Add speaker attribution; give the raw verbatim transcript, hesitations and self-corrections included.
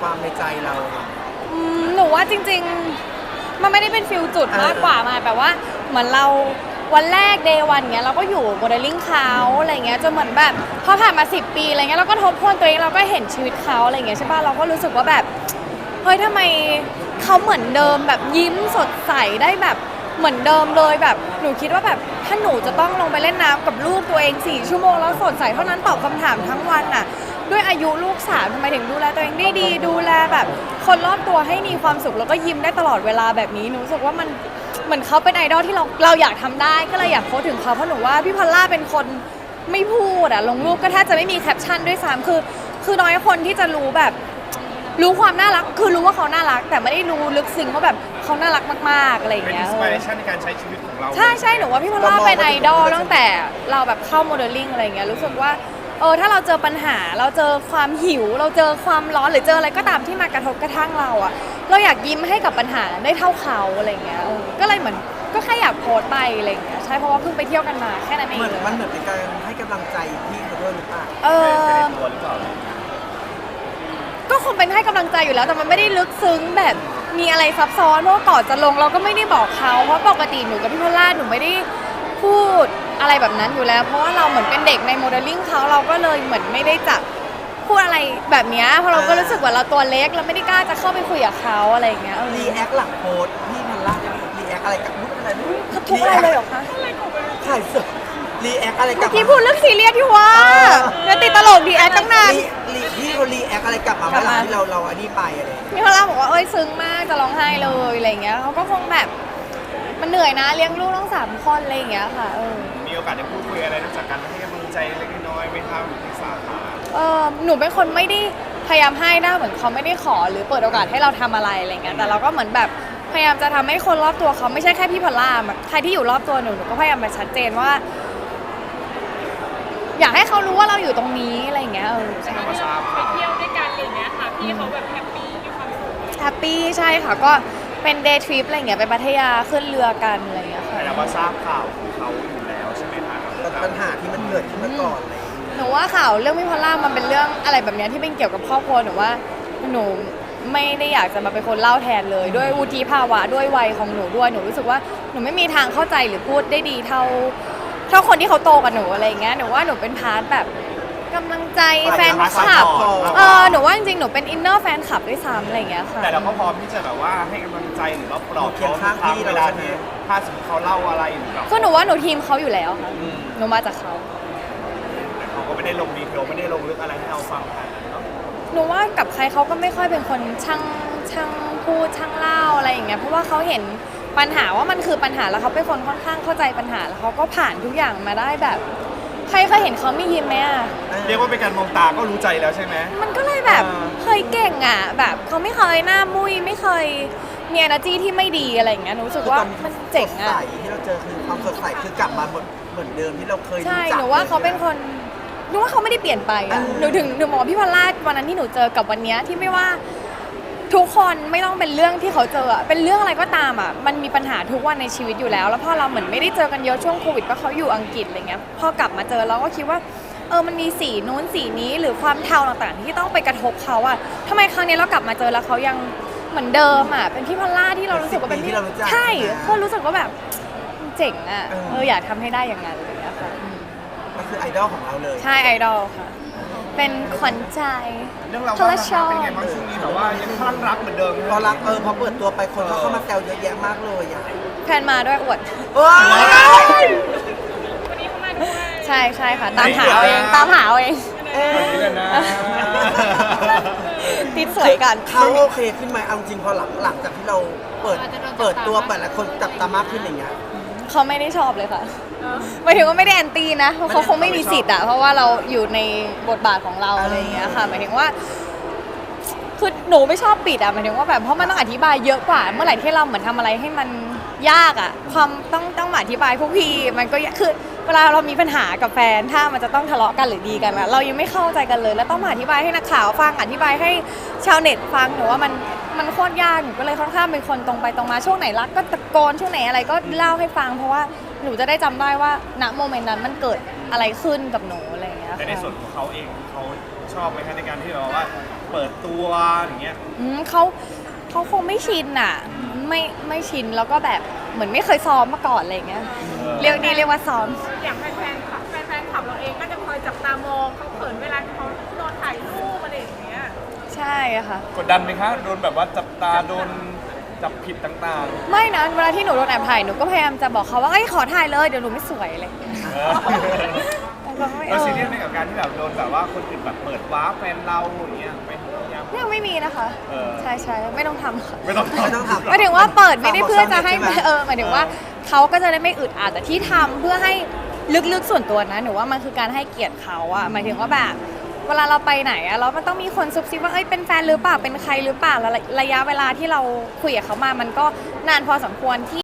Speaker 1: ความในใจเรา
Speaker 2: อืมหนูว่าจริงๆมันไม่ได้เป็นฟิลจุดมากกว่ามาแบบว่าเหมือนเราวันแรกเดย์วันเงี้ยเราก็อยู่โมเดลลิ่งเขาอะไรเงี้ยจนเหมือนแบบพอผ่านมาสิบปีอะไรเงี้ยเราก็ทบทวนตัวเองเราก็เห็นชีวิตเขาอะไรเงี้ยใช่ป่ะเราก็รู้สึกว่าแบบเฮ้ยทำไมเขาเหมือนเดิมแบบยิ้มสดใสได้แบบเหมือนเดิมเลยแบบหนูคิดว่าแบบถ้าหนูจะต้องลงไปเล่นน้ำกับลูกตัวเองสี่ชั่วโมงแล้วสดใสเท่านั้นตอบคำถามทั้งวันน่ะด้วยอายุลูกสามทำไมถึงดูแลตัวเองได้ดีดูแลแบบคนรอบตัวให้มีความสุขแล้วก็ยิ้มได้ตลอดเวลาแบบนี้หนูรู้สึกว่ามันเหมือนเขาเป็นไอดอลที่เราเราอยากทำได้ก็เลยอยากโพสถึงเขาเพราะหนูว่าพี่พอลล่าเป็นคนไม่พูดอะลงรูปก็แทบจะไม่มีแคปชั่นด้วยซ้ำคือคือน้อยคนที่จะรู้แบบรู้ความน่ารักคือรู้ว่าเขาน่ารักแต่ไม่ได้รู้ลึกซึ้งว่าแบบเขาน่ารักมากๆอะไรอย่าง
Speaker 3: เป็น
Speaker 2: เงี้
Speaker 3: อิ
Speaker 2: ย
Speaker 3: นสปิเรชันในการใช้ชีวิตของเรา
Speaker 2: ใช่ใช่หนูว่าพี่พอลล่าเป็นไอดอลตั้งแต่เราแบบเข้าโมเดลลิ่งอะไรอย่างเงี้ยรู้สึกว่าเออถ้าเราเจอปัญหาเราเจอความหิวเราเจอความร้อนหรือเจออะไรก็ตามที่มากระทบกระทั่งเราอะเราอยากยิ้มให้กับปัญหาได้เท่าเขาอะไรอย่างเงี้ยเออก็เลยเหมือนก็แค่อยากโพสต์ไปอะไรอย่างเงี้ยใช่เพราะว่าเพิ่งไปเที่ยวกันมาแค่นั้นเอง
Speaker 1: เหมือน
Speaker 2: เลย
Speaker 1: มันเหมือนเป็นการให้กำลังใจพี่เขาด้วยหรือเปล่า
Speaker 2: เออ
Speaker 3: ตัวหรือเปล่า
Speaker 2: ก็คงเป็นให้กำลังใจอยู่แล้วแต่มันไม่ได้ลึกซึ้งแบบมีอะไรซับซ้อนเพราะว่าก่อนจะลงเราก็ไม่ได้บอกเขาเพราะปกติหนูกับพี่พอลล่าหนูไม่ได้พูดอะไรแบบนั้นอยู่แล้ว เพราะว่าเราเหมือนเป็นเด็กในโมเดลลิ่งเขาเราก็เลยเหมือนไม่ได้จะพูดอะไรแบบนี้เพราะเราก็รู้สึกว่าเราตัวเล็กเราไม่ได้กล้าจะเข้าไปคุยกับเขาอะไรอย่างเงี้ยเออ
Speaker 1: รีแอคหลังโพสต์พี่พันล่ารีแอคอะไรกับมุกอะไรมุก
Speaker 2: เขาทุกอะไรเลยเหรอคะ
Speaker 1: ถ่ายสดรีแอคอะไรกับ
Speaker 2: เมื่อกี้พูดเรื่องซีเรียสที่ว่าเดี๋ยวติดตลกดีแอคตั้งนาน
Speaker 1: รีรีพี่เขารีแอคอะไรกลับมาเมื่อหลังที่เราเราอันนี้ไปอะไรอย่างเงี้ย
Speaker 2: พี่พอลล่าบอกว่าเอ้ยซึ้งมากจะร้องไห้เลยอะไรอย่างเงี้ยเขาก็คงแบบมันเหนื่อยนะเลี้ยงลูกต้องสามคนอะไรอย่างเงี้ยค่ะเออ
Speaker 3: มีโอกาสได้พูดคุยอะไรนอกจากการให้กำลังใจเล็กน้อยไหมครับปรึกษาหา
Speaker 2: เออหนูเป็นคนไม่ได้พยายามให้นะเหมือนเขาไม่ได้ขอหรือเปิดโอกาสให้เราทำอะไรอะไรเงี้ยแต่เราก็เหมือนแบบพยายามจะทำให้คนรอบตัวเขาไม่ใช่แค่พี่พอลล่าแบบใครที่อยู่รอบตัวหนูหนูก็พยายามมาชัดเจนว่า อยากให้เขารู้ว่าเราอยู่ตรงนี้อะไรอย่างเงี้ยเออใช่
Speaker 3: มาทราบ
Speaker 4: ไป
Speaker 3: ข่าว
Speaker 4: เที่ยวด้วยกันอะไรเงี้ยค่ะพี่เขาแบบแฮปปี้มีความสุข
Speaker 2: แฮปปี้ใช่ค่ะก็เป็นเดย์ทริปอะไรเงี้ยไปพัทยาขึ้นเรือกันอะไรเงี้ยค่ะ
Speaker 3: แต่ว่าทราบข่าวของเขาอยู่แล้วใช่ไหมคะ
Speaker 1: ปัญหาที่มันเกิดขึ้นมาก่อนอะไรอย่างเลย
Speaker 2: หนูว่าข่าวเรื่องพี่พอลล่ามันเป็นเรื่องอะไรแบบเนี้ยที่เป็นเกี่ยวกับครอบครัวหนูว่าหนูไม่ได้อยากจะมาเป็นคนเล่าแทนเลย ด้วยวุฒิภาวะด้วยวัยของหนูด้วยหนูรู้สึกว่าหนูไม่มีทางเข้าใจหรือพูดได้ดีเท่าเท่าคนที่เขาโตกว่าหนูอะไรอย่างเงี้ยหนูว่าหนูเป็นพาร์ทแบบกำลังใจแฟนคลับเออหนูว่าจริงๆหนูเป็นอินเนอร์แฟนคลับด้วยซ้ำอะไรอย่างเงี้ยค่ะ
Speaker 3: แต่เราก็พร้อมที่จะแบบว่าให้กำลังใจหรือว่าปลอบเขาทุกครั้งเวลาที่ถ้าสมมติเขาเล่าอะไรหรือแบบ
Speaker 2: คือหนูว่าหนูทีมเขาอยู่แล้วค่ะหนูมาจากเขา
Speaker 3: แต่เขาก็ไม่ได้ลงดีเทลไม่ได้ลงลึกอะไรให้เราฟังขนาดนั้นเนาะ
Speaker 2: หนูว่ากับใครเขาก็ไม่ค่อยเป็นคนช่างช่างพูดช่างเล่าอะไรอย่างเงี้ยเพราะว่าเขาเห็นปัญหาว่ามันคือปัญหาแล้วเขาเป็นคนค่อนข้างเข้าใจปัญหาแล้วเขาก็ผ่านทุกอย่างมาได้แบบใครเคยเห็นเขาไม่ยิ้มไหมอ่ะ
Speaker 3: เรียกว่าเป็นการมองตาก็รู้ใจแล้วใช่ไหม
Speaker 2: มันก็เลยแบบเคยเก่งอ่ะแบบเขาไม่เคยหน้ามุ้ยไม่เคยมี energy ที่ไม่ดีอะไรอย่างเงี้ยหนูรู้สึกว่ามันเจ๋งอ่ะ
Speaker 1: สดใสที่เราเจอคือความสดใสคือกลับมาเหมือนเหมือนเดิมที่เราเคยรู้
Speaker 2: ใช่
Speaker 1: จัก
Speaker 2: หนูว่าเขาเป็นคนหนูว่าเขาไม่ได้เปลี่ยนไปอะหนูถึงหนูมองพี่พอลล่าวันนั้นที่หนูเจอกับวันเนี้ยที่ไม่ว่าทุกคนไม่ต้องเป็นเรื่องที่เขาเจออะเป็นเรื่องอะไรก็ตามอ่ะมันมีปัญหาทุกวันในชีวิตอยู่แล้ว แล้วพอเราเหมือนไม่ได้เจอกันเยอะช่วงโควิดเพราะเขาอยู่อังกฤษอะไรเงี้ยพอกลับมาเจอเราก็คิดว่าเออมันมีสีนู้นสีนี้หรือความเทาต่างๆที่ต้องไปกระทบเขาอ่ะทำไมครั้งนี้เรากลับมาเจอแล้วเขายังเหมือนเดิมอ่ะเป็นพี่พอลล่าที่เรารู้สึกว่าเป็นพี่ใช่เขารู้สึกว่าแบบเจ๋งอ่ะเอออยากทำให้ได้อย่างนั้นอะไรเงี้ยค่ะ
Speaker 1: ก็คือไอดอลของเราเลย
Speaker 2: ใช่ไอดอลค่ะ เป็นขวัญใจ
Speaker 3: เรื่องเรา
Speaker 2: พ
Speaker 3: ว่า
Speaker 2: ละชอบ
Speaker 3: เป็นไงบ้างช่วงนี้แบบว่ายังคลั่งรักเหมือนเดิม
Speaker 1: พอรักเออพอเปิดตัวไปคนก็เข้ามาแซวเยอะแยะมากเลยอ่ะ
Speaker 2: แฟนมาด้วยอวด
Speaker 1: ว้าว
Speaker 4: วันนี้เขามาด้วย
Speaker 2: ใช่ใช่ค่ะ ตามหาเอาเองตามหาเอาเอง
Speaker 1: เอ๊ะ
Speaker 3: นี่เลยนะ
Speaker 2: ติดสวยกัน
Speaker 1: เขาโอเคขึ้นไหมเอาจริงพอหลังหลังจากที่เราเปิดเปิดตัวเปิดแล้วคนจับตามากขึ้นอย่างเงี้ย
Speaker 2: เขาไม่ได้ชอบเลยค่ะหมายถึงว่าไม่ได้แอนตี้นะเพราะเขาคงไม่มีสิทธิ์อะเพราะว่าเราอยู่ในบทบาทของเราอะไรอย่างเงี้ยค่ะหมายถึงว่าคือหนูไม่ชอบปิดอะหมายถึงว่าแบบเพราะมันต้องอธิบายเยอะกว่า เมื่อไหร่ที่เราเหมือนทำอะไรให้มันยากอะความต้องต้องมาอธิบายพวกพี่มันก็ยากคือเวลาเรามีปัญหากับแฟนถ้ามันจะต้องทะเลาะกันหรือดีกันอะเรายังไม่เข้าใจกันเลย แล้วต้องมาอธิบายให้นักข่าวฟังอธิบายให้ชาวเน็ตฟังหนูว่ามันมันโคตรยากหนูก็เลยค่อนข้างเป็นคนตรงไปตรงมาช่วงไหนรักก็ตะโกนช่วงไหนอะไรก็เล่าให้ฟัง เพราะว่าหนูจะได้จำได้ว่าณโมเมนต์นั้นมันเกิดอะไรขึ้นกับหนูอะไรอย่างเงี้ย
Speaker 3: แต่ในส่วนของเขาเองเขาชอบไหมคะในการที่แบบว่าเปิดตัวอย่างเงี้ย
Speaker 2: อืมเขาเขาคงไม่ชินอ่ะไม่ไม่ชินแล้วก็แบบเหมือนไม่เคยซ้อมมาก่อนอะไรอย่างเงี้ยเรียกนี่เรียกว่าซ้อม
Speaker 4: อย่างแฟนๆขับแฟนๆขับเราเองก็จะคอยจับตามองเขาเขินเวลาเขาโดนถ่ายรูปอะไรอย่างเงี้ย
Speaker 2: ใช่อะค่ะ
Speaker 3: กดดันไหมคะโดนแบบว่าจับตาโดนจับผิดต่าง
Speaker 2: ไม่นะเวลาที่หนูโดนแอบถ่ายหนูก็พยายามจะบอกเขาว่าเอ้ยขอถ่ายเลยเดี๋ยวหนูไม่สวยอะไรอย่างเลย
Speaker 3: ๆเออ
Speaker 2: แต่ก็ไม่
Speaker 3: เรา
Speaker 2: เอ
Speaker 3: ซี
Speaker 2: อ
Speaker 3: เรียสไหมกับการที่แบบโดนแบบว่าคนอื่นแบบเปิดว้าร์ปแฟนเราอย่างเงี้ยไม่ยัง
Speaker 2: ยังไม่มีนะคะ
Speaker 3: เออ
Speaker 2: ใช่ใช่ไม่ต้องทำค่ะ
Speaker 3: ไม่ต้อง
Speaker 1: ไม่ต้องทำ
Speaker 2: หมายถึงว่าเปิดไม่ได้เพื่อจะให้
Speaker 1: ฝากบอกชาวเน็ตใช่ไหม
Speaker 2: เออหมายถึงว่าเขาก็จะได้ไม่อึดอัดแต่ที่ทำเพื่อให้ลึกๆส่วนตัวนะหนูว่ามันคือการให้เกียรติเขาอะหมายถึงว่าแบบเวลาเราไปไหนอะแล้วมันต้องมีคนซุบซิบว่าเอ้ยเป็นแฟนหรือเปล่าเป็นใครหรือเปล่าแล้วระยะเวลาที่เราคุยกับเขามามันก็นานพอสมควรที่